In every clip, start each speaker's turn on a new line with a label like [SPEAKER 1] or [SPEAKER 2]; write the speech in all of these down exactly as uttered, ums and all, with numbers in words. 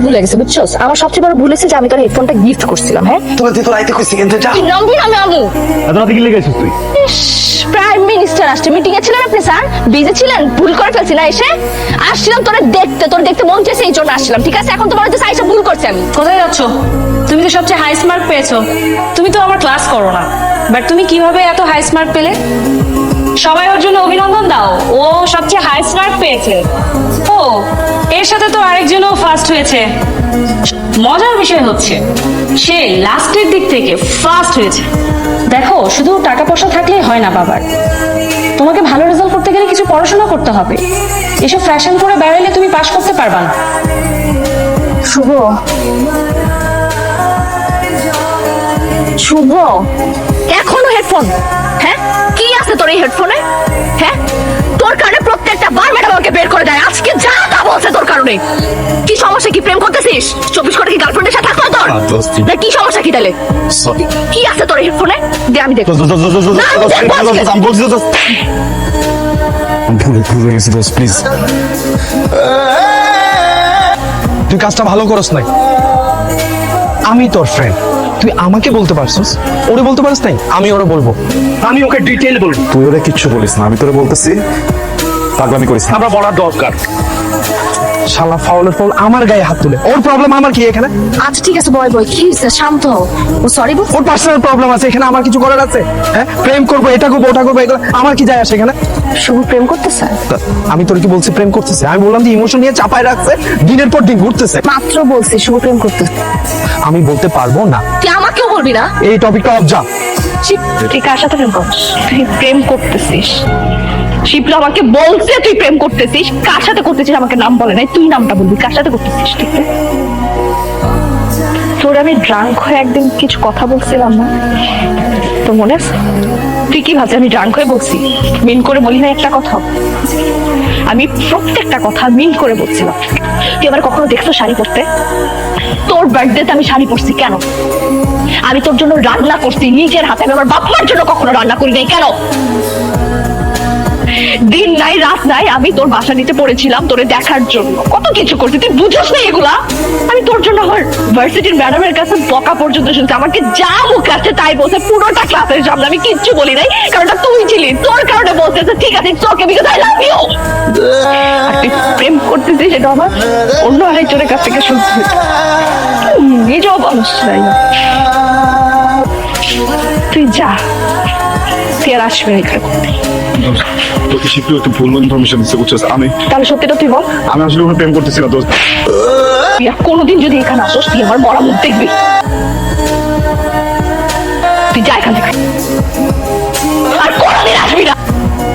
[SPEAKER 1] ভুলে গেছে বুঝছস? আমার সবচেয়ে বড় ভুল হয়েছে যে আমি তোর হেডফোনটা গিফট করছিলাম। হ্যাঁ
[SPEAKER 2] তোরা তুই তোর আইতে কইছি কিন্তু যা
[SPEAKER 1] নবীন আমি আমু
[SPEAKER 3] এত রাতে কি লেগে আছিস তুই?
[SPEAKER 1] প্রাইম মিনিস্টার আসছে, মিটিং এ ছিলেন আপনি স্যার? বিজি ছিলেন? ভুল করে ফেলছি না এসে? আসছিলাম তোরে দেখতে, তোর দেখতে মন চেয়েছে এই জন্য আসছিলাম। ঠিক আছে, এখন তোমার হচ্ছে আইসা ভুল করছি আমি।
[SPEAKER 4] কোথায় যাচ্ছ? তুমি তো সবচেয়ে হাই মার্ক পেয়েছো। তুমি তো আমার ক্লাস করো না, বাট তুমি কিভাবে এত হাই মার্ক পেলে? সবাই ওর জন্য অভিনন্দন দাও, ও সবচেয়ে হাই মার্ক পেয়েছে। ও এর সাথে তো আরেকজনও ফার্স্ট হয়েছে। মজার বিষয় হচ্ছে সে লাস্টের দিক থেকে ফার্স্ট হয়েছে। দেখো, শুধু টাকা পয়সা থাকলেই হয় না বাবার, তোমাকে ভালো রেজাল্ট করতে গেলে কিছু পড়াশোনা করতে হবে। এসব ফ্যাশন করে বেরোলে তুমি পাশ করতে পারবা না।
[SPEAKER 1] শুভ শুভ এখনো হেডফোন? হ্যাঁ, কি আছে তোর এই হেডফোনে? হ্যাঁ, তোর কারণে প্রত্যেকটা বার ম্যাডাম আমাকে বের করে দেয়। আজকে যা তা বলছে তোর কারণে। কি সমস্যা? কি প্রেম করতেছিস? চব্বিশ ঘন্টা কি গার্লফ্রেন্ডের সাথে থাকতো তোর? না, কি সমস্যা কি তাহলে?
[SPEAKER 2] সরি
[SPEAKER 1] কি আছে তোর হেডফোনে? দে আমি দেখবো।
[SPEAKER 2] আমি বলছি তো ভুল ভুল হয়ে গেছে দোস্ত, প্লিজ তুই কাজটা ভালো করস নাই। আমি তোর ফ্রেন্ড, তুই আমাকে বলতে পারছিস, ওরে বলতে পারিস নাই? আমি ওরে বলবো, আমি ওকে ডিটেইল বলবো।
[SPEAKER 3] তুই ওরা কিচ্ছু বলিস না, আমি তোরে বলতেছি পাগলামি করিস না।
[SPEAKER 2] আমরা বলার দরকার। শালা ফাউলের ফাউল আমার গায়ে হাত তুলে, ওর প্রবলেম আমার কি এখানে?
[SPEAKER 1] আচ্ছা ঠিক আছে, বয় বয়, কি হয়েছে? শান্ত হও। ও সরি বল।
[SPEAKER 2] ওর পার্সোনাল প্রবলেম আছে, এখানে আমার কিছু করার আছে? হ্যাঁ, প্রেম করবো, এটা করবো, ওটা করবো, এগুলো আমার কি যায় আসে এখানে?
[SPEAKER 1] শুভ প্রেম করতেছে?
[SPEAKER 2] আমি তোর কি বলছি প্রেম করতেছে? আমি বললাম যে ইমোশন নিয়ে চাপায় রাখছে, দিনের পর দিন ঘুরতেছে।
[SPEAKER 1] মাত্র বলছি শুভ প্রেম করতেছে।
[SPEAKER 2] আমি বলতে পারবো না।
[SPEAKER 1] তুই আমাকেও বলবি না?
[SPEAKER 2] এই টপিকটা অফ যা।
[SPEAKER 1] তুই কার সাথে প্রেম করছিস? তুই প্রেম করতেছিস? শিবলু আমাকে বলছে তুই প্রেম করতেছিস। কার সাথে করতেছিস আমাকে নাম বলে নাই, তুই নামটা বলবি। কার সাথে করতেছিস? ঠিক আছে, তোর আমি ড্রাঙ্ক হয়ে একদিন কিছু কথা বলছিলাম না, তো মনে আছে? তুই কি ভাবছিস আমি ড্রাঙ্ক হয়ে বলছি? মিন করে বলি না একটা কথা? আমি প্রত্যেকটা কথা মিন করে বলছিলাম। তুই আবার কখনো দেখছো শাড়ি পরতে? তোর বার্থডেতে আমি শাড়ি পরছি কেন? আমি তোর জন্য রান্না করছি নিজের হাতে, আমি আমার বাপ মার জন্য কখনো রান্না করি নাই কেন? দিন নাই রাত নাই আমি তোর বাসা নিতে পড়েছিলাম তোরে দেখার জন্য, কত কিছু করছি, তুই বুঝছ না এগুলা? আমি তোর জন্য আমার ভার্সিটির ম্যাডামের কাছে বকা পর্যন্ত শুনছি, আমাকে যা মুখ আছে তাই বলছে পুরোটা ক্লাসের সামনে, আমি কিচ্ছু বলি নাই, কারণ তুই ছিলি, তোর কারণে বলতেছে ঠিক আছে তোকে বিকজ আই লাভ ইউ। আর তুই প্রেম করতেছিস সেটা আমার অন্য আরেকজনের কাছ থেকে শুনতে হচ্ছে, নিজেও বলস নাই। তুই যা, তুই আর আসবে না এখানে করতে।
[SPEAKER 3] তোকে শিখলেও একটু ভুল ইনফরমেশন দিচ্ছে, বুঝছিস? আমি
[SPEAKER 1] তাহলে সত্যিটা তুই বল।
[SPEAKER 3] আমি আসলে ওখানে প্রেম করতেছি না দোস্ত।
[SPEAKER 1] তুই আর কোনোদিন যদি এখানে আসোস তুই আমার মরা মুখ দেখবি। তুই যা এখান থেকে, আর কোনোদিন আসবি না।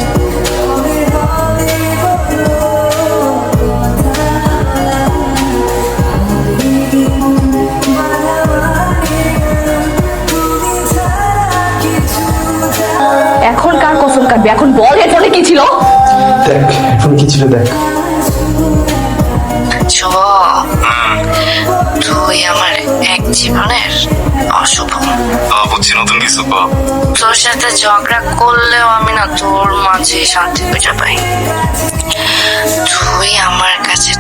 [SPEAKER 1] এখন কার কসম কাটবি? এখন বল হেডফোনে কি ছিল?
[SPEAKER 2] দেখ এখন কি ছিল দেখ।
[SPEAKER 5] শুভ, তুই আমার এক জীবনের অশুভ।
[SPEAKER 3] বুঝছি, নতুন কিছু।
[SPEAKER 5] তোর সাথে ঝগড়া করলেও আমি না তোর মাঝে শান্তি খুঁজে পাই। তুই আমার কাছে